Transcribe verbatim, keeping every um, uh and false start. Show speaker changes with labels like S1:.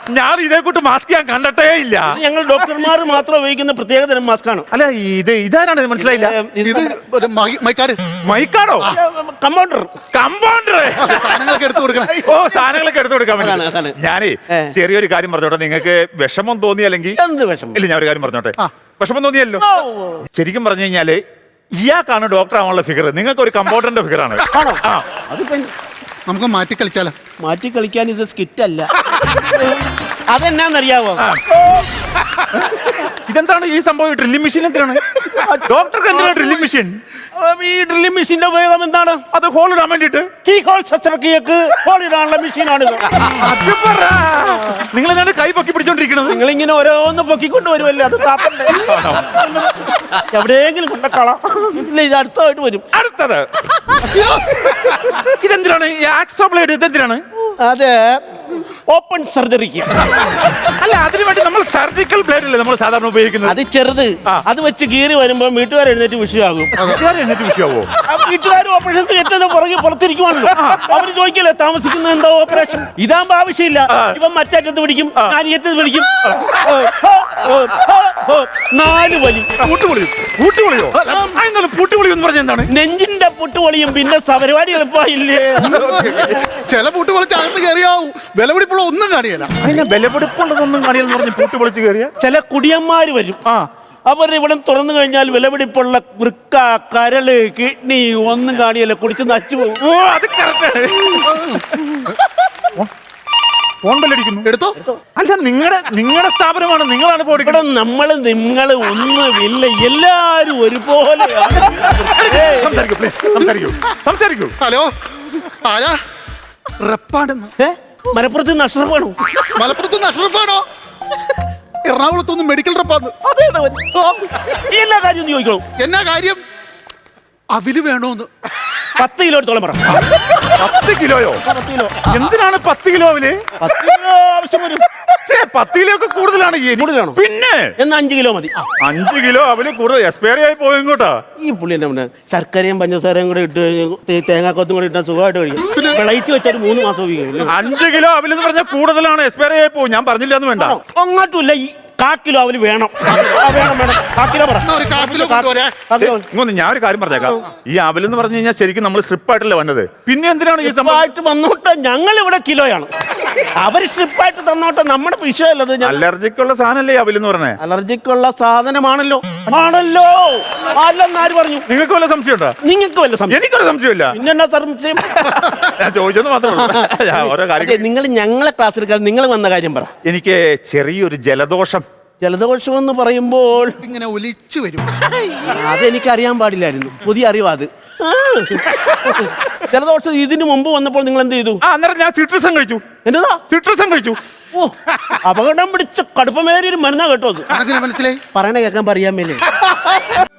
S1: ഞാൻ ഇതേ കൂട്ട് മാസ്ക് ഞാൻ കണ്ടിട്ടേ ഇല്ല.
S2: ഞങ്ങൾ ഡോക്ടർമാർ മാത്രം ഉപയോഗിക്കുന്ന പ്രത്യേക തരം മാസ്ക് ആണ്.
S1: അല്ല ഇത് ഇതാരാണ് ഇത് മനസ്സിലായില്ല.
S3: ഇത് ഒരു മൈ- മൈക്കാട്
S1: മൈക്കാടോ?
S2: കമ്പൗണ്ടർ.
S1: കമ്പൗണ്ടർ.
S3: സാധനങ്ങളൊക്കെ എടുത്തു കൊടുക്കണം.
S1: ഓ സാധനങ്ങളൊക്കെ എടുത്തു കൊടുക്കാൻ
S2: അതാണ്,
S1: വേണ്ടി.
S2: അതാണ്.
S1: ഞാനേ
S2: ഏ.
S1: ചെറിയൊരു കാര്യം പറഞ്ഞോട്ടെ. നിങ്ങൾക്ക് വിഷമം തോന്നി അല്ലെങ്കിൽ
S2: എന്ത് വിഷമം?
S1: ഇല്ല, ഞാൻ ഒരു കാര്യം പറഞ്ഞോട്ടെ. വിഷമം തോന്നിയല്ലോ.
S2: ഓ.
S1: ശരിക്കും പറഞ്ഞു കഴിഞ്ഞാല് ഇയാൾക്കാണ് ഡോക്ടർ ആവാനുള്ള ഫിഗർ, നിങ്ങൾക്ക് ഒരു കമ്പൗണ്ടറിന്റെ ഫിഗർ ആണ്.
S2: ആണോ?
S1: ആ.
S2: അതിപ്പോ
S3: നമുക്ക് മാറ്റി കളിച്ചാലോ?
S2: മാറ്റി കളിക്കാൻ ഇത് സ്കിറ്റ് അല്ല. അതെന്നാന്നറിയാവോ?
S1: ഇതെന്താണ് ഈ സംഭവം? ഡ്രില്ലിംഗ് മെഷീൻ എന്തിനാണ് ഡോക്ടർക്ക്? എന്തിനാണ് ഡ്രില്ലിംഗ് മെഷീൻ?
S2: ഈ ഡ്രില്ലിംഗ് മെഷീന്റെ ഉപയോഗം എന്താണ്?
S1: അത് ഹോൾ ഇടാൻ വേണ്ടിട്ട്.
S2: കീ ഹോൾ ശസ്ത്രക്രിയക്ക് ഹോൾ ഇടാനുള്ള മെഷീനാണിത്.
S1: നിങ്ങൾ എന്താണ് കൈ പൊക്കി പിടിച്ചോണ്ടിരിക്കുന്നത്?
S2: നിങ്ങൾ ഇങ്ങനെ ഓരോന്ന് പൊക്കിക്കൊണ്ട് വരുമല്ലേ, അത് താപ്പണ്ടേ? എവിടെയെങ്കിലും കൊണ്ടക്കളാം. ഇല്ല, ഇത് അടുത്തതായിട്ട് വരും.
S1: അടുത്തത് ഇതെന്തിനാണ്? Hacksaw blade ഇതെന്തിനാണ്?
S2: അതെ, ഓപ്പൺ സർജറിക്ക്.
S1: അല്ല, അതിനു വേണ്ടി നമ്മൾ സർജിക്കൽ ബ്ലേഡ് അല്ലേ നമ്മൾ സാധാരണ ഉപയോഗിക്കുന്നത്?
S2: അത് ചെറുത്. അത് വെച്ച് കീറി വരുമ്പോ വീട്ടുകാർ എഴുന്നേറ്റ് വിഷയമാകും.
S1: എന്നിട്ട് വിഷയാവോ?
S2: വീട്ടുകാർ ഓപ്പറേഷൻ ഏറ്റവും പുറകെ പുറത്തിരിക്കുവാണല്ലോ. അവര് ചോദിക്കല്ലേ താമസിക്കുന്നത് എന്താ ഓപ്പറേഷൻ? ഇതാകുമ്പോ ആവശ്യമില്ല. ഇവൻ മറ്ററ്റത്ത് പിടിക്കും, ഞാൻ ഈ അറ്റത്ത് പിടിക്കും. നാല് വലി.
S1: പൂട്ടുപൊളിയോ? പൂട്ടുപൊളിയോ? എന്താണ് പൂട്ടുപൊളി എന്ന് പറഞ്ഞ എന്താണ്?
S2: നെഞ്ചിന്റെ പുട്ടുപൊളിയും പിന്നെ പരിപാടി എളുപ്പമില്ലേ?
S3: ചില പൂട്ട് പൊളിച്ച് അകത്ത് കയറിയാവും. വിലപിടിപ്പുള്ള ഒന്നും കാണിയല്ല.
S1: അതിനെ വിലപിടിപ്പുള്ളതൊന്നും കാണിയെന്ന് പറഞ്ഞ് പൂട്ട് പൊളിച്ച് കയറിയ
S2: ചില കുടിയന്മാര് വരും.
S1: ആ,
S2: അവർ ഇവിടെ തുറന്നു കഴിഞ്ഞാൽ വിലപിടിപ്പുള്ള വൃക്ക, കരള്, കിഡ്നി ഒന്നും കാണിയല്ല, കുടിച്ച് നച്ചു പോകും.
S1: ഓ അത് കറക്റ്റ്. ഫോൺ ബെല്ലടിക്കുന്നു.
S3: എടുത്തോ.
S1: അല്ല, നിങ്ങളുടെ നിങ്ങളുടെ സ്ഥാപനമാണ്, നിങ്ങളാണ് ഫോൺ
S2: ഇവിടെ നമ്മള് നിങ്ങള് ഒന്നുമില്ല, എല്ലാരും ഒരുപോലെ.
S1: സംസാരിക്കൂ പ്ലീസ്, സംസാരിക്കൂ സംസാരിക്കൂ.
S3: ഹലോ, ആരാ? റെപ്പാണെന്ന്.
S2: മലപ്പുറത്ത് നിന്ന് അഷ്റഫാണോ?
S3: മലപ്പുറത്ത് നിന്ന് അഷ്റഫാണോ? എറണാകുളത്തൊന്ന് മെഡിക്കൽ റെപ്പാന്ന്.
S2: അതേടാ അവൻ. ഈ എല്ലാ കാര്യവും ചോദിക്കണോ?
S3: എന്നാ കാര്യം? അവില് വേണോന്ന്.
S2: പത്ത് കിലോ എടുത്തോളം പറ.
S1: പത്ത് കിലോയോ?
S2: പത്ത് കിലോ.
S1: എന്തിനാണ് പത്ത് കിലോ അവല്?
S2: പത്ത് കിലോ ആവശ്യം വരും.
S1: ഛേ, പത്ത് കിലോ ഒക്കെ കൂടുതലാണ്.
S2: കൂടുതലാണോ?
S1: പിന്നെ
S2: എന്നാ അഞ്ച് കിലോ മതി.
S1: അഞ്ച് കിലോ അവല് കൂടുതൽ എക്സ്പയറി ആയി പോയി ഇങ്ങോട്ടാ.
S2: ഈ പുള്ളി എന്റെ മുന്നേ ശർക്കരയും പഞ്ചസാരയും കൂടെ ഇട്ട് തേ- തേങ്ങാക്കൊത്തും കൂടെ ഇട്ടാൽ സുഖമായിട്ട് കഴിക്കും. വിളയിച്ച് വെച്ചാൽ മൂന്ന് മാസം ഉപയോഗിക്കും.
S1: അഞ്ച് കിലോ അവലെന്ന് പറഞ്ഞാൽ കൂടുതലാണ്, എക്സ്പയറി ആയി പോകും. ഞാൻ പറഞ്ഞില്ല എന്ന് വേണ്ട.
S2: അങ്ങോട്ടുമില്ല, ഈ കാ കിലോ അവല് വേണം. ആ, വേണം വേണം. കാ കിലോ പറ.
S3: എന്നാ ഒരു കാ കിലോ കൊണ്ടുവരാ.
S2: കാ കിലോ.
S1: ഇങ്ങൊന്ന് ഞാൻ ഒരു കാര്യം പറഞ്ഞേക്കാം. ഈ അവലെന്ന് പറഞ്ഞു കഴിഞ്ഞാൽ ശരിക്കും നമ്മൾ സ്ട്രിപ്പായിട്ടല്ലേ വന്നത്. പിന്നെ എന്തിനാണ് ഈ സംഭവം?
S2: ആയിട്ട് വന്നോട്ടെ, ഞങ്ങൾ ഇവിടെ കിലോയാണ്. അവര് സ്ട്രിപ്പായിട്ട് തന്നോട്ടെ, നമ്മുടെ വിഷയമല്ലത്.
S1: അലർജിക്കുള്ള സാധനല്ലേ അവലെന്ന് പറഞ്ഞേ?
S2: അലർജിക്കുള്ള സാധനമാണല്ലോ. ആണല്ലോ. അല്ലെന്നാര് പറഞ്ഞു?
S1: നിങ്ങൾക്ക് വല്ല സംശയം ഉണ്ടോ?
S2: നിങ്ങൾക്ക് വല്ല സംശയം?
S1: എനിക്കൊരു സംശയമില്ല.
S2: പിന്നെന്നാ സംശയം?
S1: ഞാൻ ചോദിച്ചത് മാത്രമേ ഉള്ളൂ. ഞാൻ ഓരോ കാര്യം.
S2: നിങ്ങൾ ഞങ്ങളെ ക്ലാസ് എടുക്കാതെ നിങ്ങൾ വന്ന കാര്യം പറ.
S1: എനിക്ക് ചെറിയൊരു ജലദോഷം.
S2: ജലദോഷം എന്ന് പറയുമ്പോൾ
S3: ഇങ്ങനെ ഒലിച്ചു വരും.
S2: അതെനിക്ക് അറിയാൻ പാടില്ലായിരുന്നു, പുതിയ അറിവാ അത്. ആ. ജലദോഷം ഇതിനു മുമ്പ് വന്നപ്പോൾ നിങ്ങൾ എന്ത് ചെയ്തു?
S1: ആ, അന്നേരം ഞാൻ സിട്രസം കഴിച്ചു.
S2: എന്നതാ?
S1: സിട്രസം കഴിച്ചു.
S2: ഓ, അപകടം പിടിച്ച കടുപ്പമേറിയൊരു മരുന്നാ കേട്ടോ അത്.
S3: അങ്ങനെ മനസ്സിലായി.
S2: പറയണ കേൾക്കാൻ പറയാൻ മേലേ.